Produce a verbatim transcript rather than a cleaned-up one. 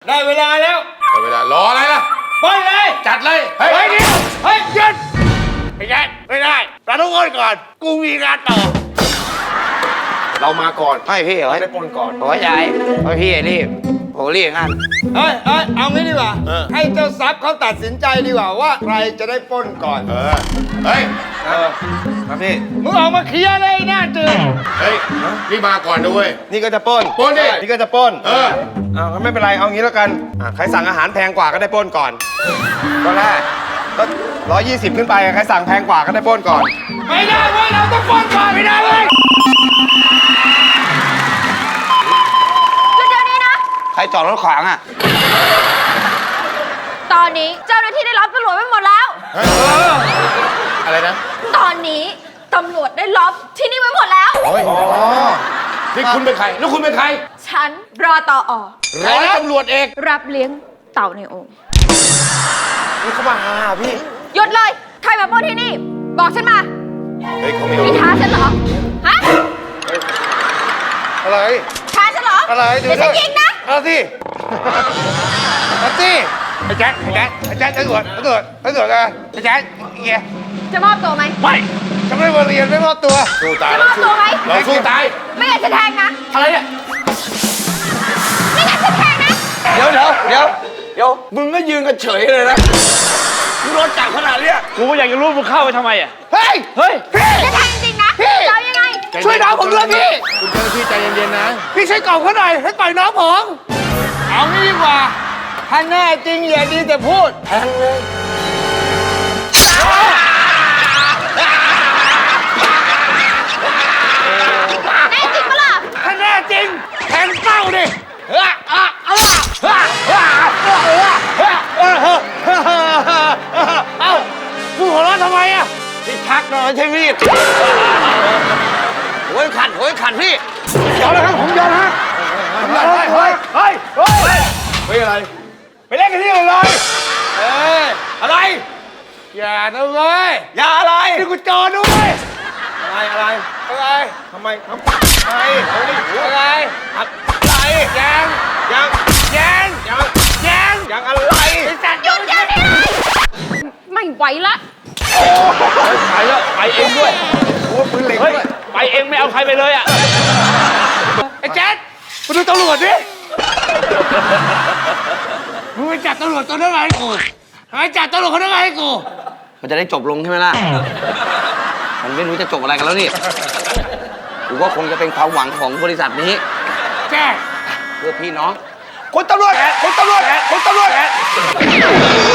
ได้เวลาแล้วได้เวลารออะไรล่ะไปเลยจัดเลยเฮ้ยเดี๋ยวเฮ้ยหยุดไม่ได้ไม่ได้เราต้องอ้อนก่อนกูมีงานต่อเรามาก่อนให้พี่เหรอได้ปนก่อนโอ้ยยายโอ้ยพี่รีบโอ้รีบงั้นเฮ้ยเฮ้ยเอางี้ดีกว่าให้เจ้าทรัพย์เขาตัดสินใจดีกว่าว่าใครจะได้ปล้นก่อนเออเฮ้ยเออครับพี่มึงออกมาเคลียร์เลยหน้าจืดเฮ้ยนี่มาก่อนด้วยนี่ก็จะปล้นปล้นดินี่ก็จะปล้นเออเอาก็ไม่เป็นไรเอางี้แล้วกันใครสั่งอาหารแพงกว่าก็ได้ปล้นก่อนก็แรกก็ร้อยยี่สิบขึ้นไปใครสั่งแพงกว่าก็ได้ปล้นก่อนไม่ได้เว้ยเราต้องปล้นก่อนไม่ได้เว้ยใครจอดรถขวางอ่ะตอนนี้เจ้าหน้าที่ได้รับตำรวจไปหมดแล้วอะไรนะตอนนี้ตำรวจได้ล็อบที่นี่ไว้หมดแล้วโอ้ยนี่คุณเป็นใครแล้วคุณเป็นใครฉันรอต่ออร้อยตำรวจเอกรับเลี้ยงเต่าในโอ่งนี่เขามาหาพี่หยุดเลยใครมาปล้นที่นี่บอกฉันมาเฮ้ยเขาไม่มีท้าฉันเหรอฮะอะไรท้าฉันเหรออะไรเดี๋ยวฉันยิงนะเอาสิเอาสิไอ้แจ๊คไอ้แจ๊คไอ้แจ๊คตำรวจตำรวจตำรวจอะไรไอ้แจ๊คเงี้ยจะมอบตัวไหมไม่จะไม่มาเรียนไม่มอบตัวสู้ตายจะมอบตัวไหมเราสู้ตายไม่งั้นจะแทงนะอะไรเนี่ยไม่งั้นจะแทงนะเดี๋ยวเดี๋ยวเดี๋ยวเดี๋ยวมึงก็ยืนกันเฉยเลยนะมึงรถจับขนาดเนี้ยกูอยากจะรู้มึงเข้าไปทำไมอ่ะเฮ้ยเฮ้ยพี่จะแทงจริงนะจะเอายังไงช่วยน้องผมด้วยพี่คุณเจ้าหน้าที่ใจเย็นๆนะพี่ช่วยกล่อมเขาหน่อยให้ปล่อยน้องผมเอางี้ดีกว่าถ้าแน่จริงอย่าดีแต่พูดแทงเลยแน่จริงปะล่ะถ้าแน่จริงแทงเป้าดิเอ้ามึงหัวเราะทำไมอ่ะพี่ชักนอนใช่มีดโอ้ยขัดโอ้ยขัดพี่ยอมแล้วครับผมยอมฮะเฮ้ยเฮ้ยเฮ้ยเฮ้ยเฮ้ยอะไรไปเล่นกันที่อื่นเลยเอ้ยอะไรอย่านะเว้ยอย่าอะไรนี่กูจอด้วยอะไรอะไรอะไรทำไมทำไมอะไรอะไรยังยังยังยังยังยังอะไรหยุดเดี๋ยวนี้ไม่ไหวละไปแล้วไปเองด้วยโอ้ปืนเหล็กด้วยไปเองไม่เอาใครไปเลยอ่ะไอ้แจ๊ดมาดูตำรวจดิมึงไปจับตำรวจตัวนั้นมาให้กูทำไมจับตำรวจคนนั้นมาให้กูมันจะได้จบลงใช่ไหมล่ะมันไม่รู้จะจบอะไรกันแล้วนี่กูว่าคงจะเป็นความหวังของบริษัทนี้แจ๊ดเพื่อพี่น้องคุณตำรวจคุณตำรวจคุณตำรวจ